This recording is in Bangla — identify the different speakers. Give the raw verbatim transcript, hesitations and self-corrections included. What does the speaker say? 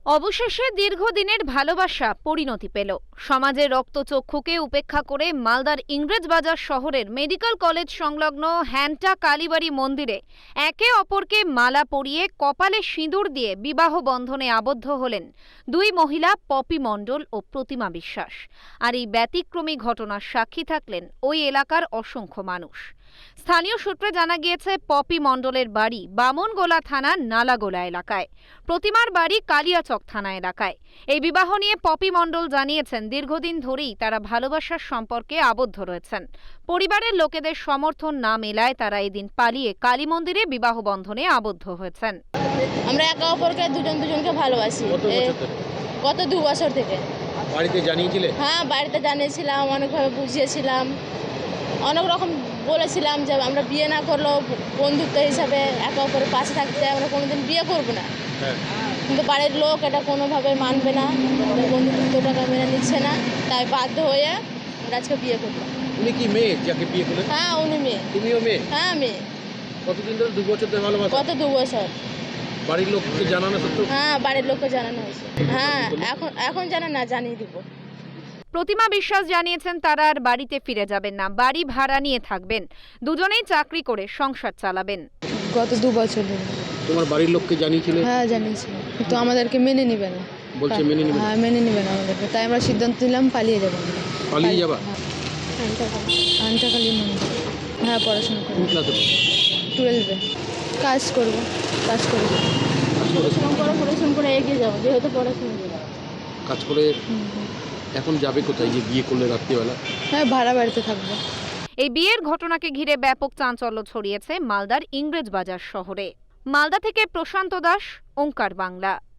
Speaker 1: অবশেষে দীর্ঘদিনের ভালোবাসা পরিণতি পেল। সমাজের রক্তচক্ষুকে উপেক্ষা করে মালদার ইংরেজবাজার শহরের মেডিকেল কলেজ সংলগ্ন হ্যান্টা কালীবাড়ি মন্দিরে একে অপরকে মালা পরিয়ে কপালে সিঁদুর দিয়ে বিবাহ বন্ধনে আবদ্ধ হলেন দুই মহিলা, পপি মণ্ডল ও প্রতিমা বিশ্বাস। আর এই ব্যতিক্রমী ঘটনার সাক্ষী থাকলেন ওই এলাকার অসংখ্য মানুষ। স্থানীয় সূত্রে জানা গিয়েছে, পপি মণ্ডলের বাড়ি বামনগোলা থানার নালাগোলা এলাকায়, প্রতিমার বাড়ি কালিয়াচক থানা এলাকায়। এই বিবাহ নিয়ে পপি মণ্ডল জানিয়েছেন, দীর্ঘদিন ধরেই তারা ভালোবাসার সম্পর্কে আবদ্ধ রয়েছেন। পরিবারের লোকেদের সমর্থন না মেলায় তারা এদিন পালিয়ে কালী মন্দিরে বিবাহ বন্ধনে আবদ্ধ হয়েছেন।
Speaker 2: আমরা একে অপরকে দুজন দুজনকে ভালোবাসি গত দু বছর থেকে।
Speaker 3: বাড়িতে জানিয়েছিলে?
Speaker 2: হ্যাঁ, বাড়িতে জানিয়েছিলাম, অনেকভাবে বুঝিয়েছিলাম, অনেক রকম বলেছিলাম যে আমরা বিয়ে না করলেও বন্ধুত্ব হিসাবে একে অপরের পাশে থাকতে, আমরা কোনোদিন বিয়ে করবো না। কিন্তু বাড়ির লোক এটা কোনোভাবে মানবে না, বন্ধুত্বটাকে মেনে নিচ্ছে না, তাই বাধ্য হয়ে আমরা আজকে বিয়ে করলাম।
Speaker 3: উনি কি মেয়ে যাকে বিয়ে করলেন?
Speaker 2: হ্যাঁ, উনি মেয়ে।
Speaker 3: তুমিও মেয়ে?
Speaker 2: হ্যাঁ, মেয়ে।
Speaker 3: কতদিন ধরে? দু বছর ধরে ভালোবাসা?
Speaker 2: কত দু বছর।
Speaker 3: বাড়ির লোককে জানানো সত্ত্বেও?
Speaker 2: হ্যাঁ, বাড়ির লোককে জানানো হয়েছে। হ্যাঁ, এখন এখন জানা না, জানিয়ে দিব।
Speaker 1: প্রতিমা বিশ্বাস জানিয়েছেন, তারা আর বাড়িতে ফিরে যাবেন না, বাড়ি ভাড়া নিয়ে থাকবেন। দুজনেই চাকরি করে সংসার চালাবেন।
Speaker 4: গত দু বছর ধরে।
Speaker 3: তোমার বাড়ির লোককে জানিয়েছিলে?
Speaker 4: হ্যাঁ, জানিয়েছি, কিন্তু আমাদেরকে মেনে নিবে না।
Speaker 3: বলছে মেনে নিবে?
Speaker 4: হ্যাঁ, মেনে নিবে না আমাদেরকে, তাই আমরা সিদ্ধান্ত নিলাম পালিয়ে যাবো।
Speaker 3: পালিয়ে যাবা?
Speaker 4: আনটাকালী মন্দির। হ্যাঁ, পড়াশোনা করবো।
Speaker 3: কোন ক্লাসে?
Speaker 4: টুয়েলভে। কাজ করবো, কাজ করবো।
Speaker 2: পরিশ্রম করে পরিশ্রম করে এগিয়ে যাবো, যেহেতু পড়াশোনা
Speaker 3: কাজ করে। এখন যাবে কোথায় যে বিয়ে করলে রাত্রিবেলা?
Speaker 4: হ্যাঁ, ভাড়া বাড়িতে থাকবো।
Speaker 1: এই বিয়ের ঘটনাকে ঘিরে ব্যাপক চাঞ্চল্য ছড়িয়েছে মালদার ইংরেজবাজার শহরে। মালদা থেকে প্রশান্ত দাস, ওঙ্কার বাংলা।